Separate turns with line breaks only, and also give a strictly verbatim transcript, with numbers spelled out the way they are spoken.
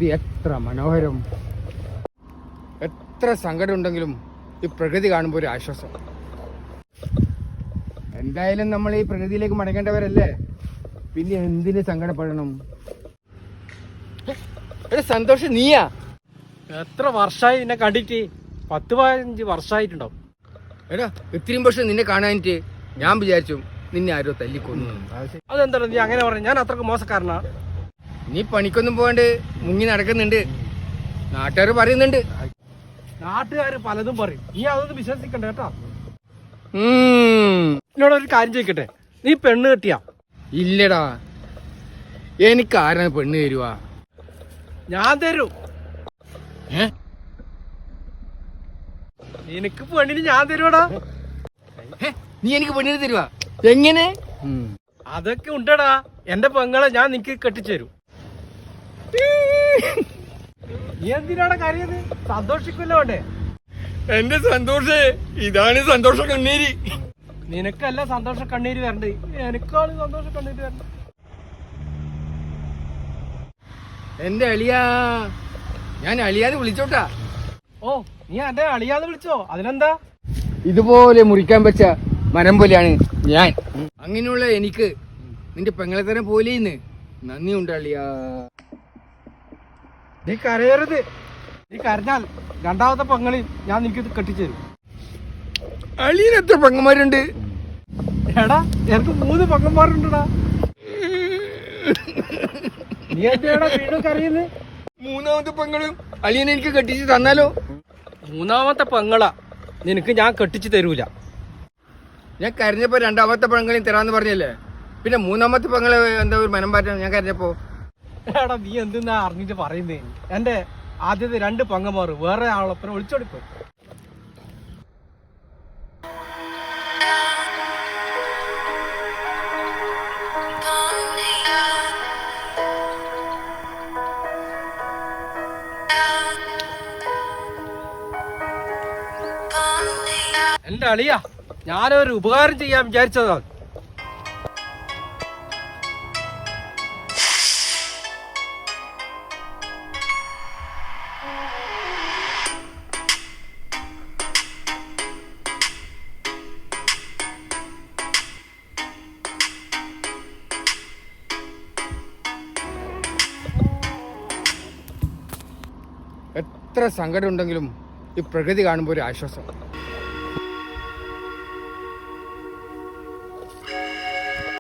പ്രകൃതി എത്ര മനോഹരം. എത്ര സങ്കടം ഉണ്ടെങ്കിലും ഈ പ്രകൃതി കാണുമ്പോൾ ഒരു ആശ്വാസം. എന്തായാലും നമ്മൾ ഈ പ്രകൃതിയിലേക്ക് മടങ്ങേണ്ടവരല്ലേ, പിന്നെ എന്തിന് സങ്കടപ്പെടണം? എടാ സന്തോഷം, നീയാ?
എത്ര വർഷമായി നിന്നെ കണ്ടിട്ട്? പത്ത് പതിനഞ്ച് വർഷമായിട്ടുണ്ടാവും.
എടാ ഇത്രയും വർഷം നിന്നെ കാണാനിട്ട് ഞാൻ വിചാരിച്ചു നിന്നെ ആരോ തല്ലിക്കൊന്നു.
അതെന്താ നീ അങ്ങനെ പറഞ്ഞു? ഞാൻ അത്രക്ക് മോശക്കാരനാ?
നീ പണിക്കൊന്നും പോകാണ്ട് മുങ്ങി നടക്കുന്നുണ്ട്, നാട്ടുകാർ പറയുന്നുണ്ട്.
നാട്ടുകാർ പലതും പറയും, നീ അതൊന്നും വിശ്വസിക്കണ്ട കേട്ടോ.
ഉം
എന്നോടൊരു കാര്യം ചോദിക്കട്ടെ, നീ പെണ്ണ് കെട്ടിയാ?
ഇല്ലടാ, എനിക്ക് ആരാണ് പെണ്ണ് തരുവാ?
ഞാൻ തരും.
ഏ
നിനക്ക് പെണ്ണിന് ഞാൻ തരുവാടാ.
നീ എനിക്ക് പെണ്ണിന് തരുവാ? എങ്ങനെ?
അതൊക്കെ ഉണ്ടടാ, എന്റെ പെങ്ങളെ ഞാൻ നിനക്ക് കെട്ടിച്ചു തരും. നീ എന്തിനാണ് കരയത്? സന്തോഷിക്കുമല്ലോ വേണ്ടേ?
എന്റെ സന്തോഷേ ഇതാണ് സന്തോഷ കണ്ണീര്.
നിനക്കല്ല സന്തോഷ കണ്ണീര് വരണ്ടേ, എനിക്കാണ് സന്തോഷ കണ്ണീര് വരണ്ടേ.
എന്റെ അളിയാ, ഞാൻ അളിയാന്ന് വിളിച്ചോട്ടാ.
ഓ, നീ എന്റെ അളിയാന്ന് വിളിച്ചോ? അതിനെന്താ?
ഇതുപോലെ മുറിക്കാൻ വെച്ച മരം പോലെയാണ് ഞാൻ. അങ്ങനെയുള്ള എനിക്ക് നിന്റെ പെങ്ങളെ തരം പോലെയിന്ന് നന്ദിയുണ്ട് അളിയാ.
നീ കരയരുത്. നീ കരഞ്ഞാൽ രണ്ടാമത്തെ പെങ്ങളിൽ ഞാൻ നിനക്ക് കെട്ടിച്ചു തരും.
അളിയന് എത്ര പെങ്ങന്മാരുണ്ട്?
എടാ എനിക്ക് മൂന്ന് പെങ്ങന്മാരുണ്ടടാ. നീ എന്തിനാടാ വീണ്ടും കരയുന്നത്?
മൂന്നാമത്തെ പെങ്ങളും അളിയനെ എനിക്ക് കെട്ടിച്ച് തന്നാലോ?
മൂന്നാമത്തെ പെങ്ങളാ നിനക്ക് ഞാൻ കെട്ടിച്ചു തരൂല.
ഞാൻ കരഞ്ഞപ്പോ രണ്ടാമത്തെ പെങ്ങളെയും തരാന്ന് പറഞ്ഞല്ലേ, പിന്നെ മൂന്നാമത്തെ പെങ്ങളെ എന്താ ഒരു മനം പാറ്റാൻ ഞാൻ കരഞ്ഞപ്പോ?
എടാ നീ എന്തെന്നാ അറിഞ്ഞിട്ട് പറയുന്നേ? എന്റെ ആദ്യത്തെ രണ്ട് പെങ്ങന്മാർ വേറെ ആളൊപ്പം ഒളിച്ചോടിപ്പോയി. എന്റെ അളിയാ, ഞാനൊരു ഉപകാരം ചെയ്യാൻ വിചാരിച്ചതാ.
എത്ര സങ്കടം ഉണ്ടെങ്കിലും ഈ പ്രകൃതി കാണുമ്പോൾ ഒരു ആശ്വാസം.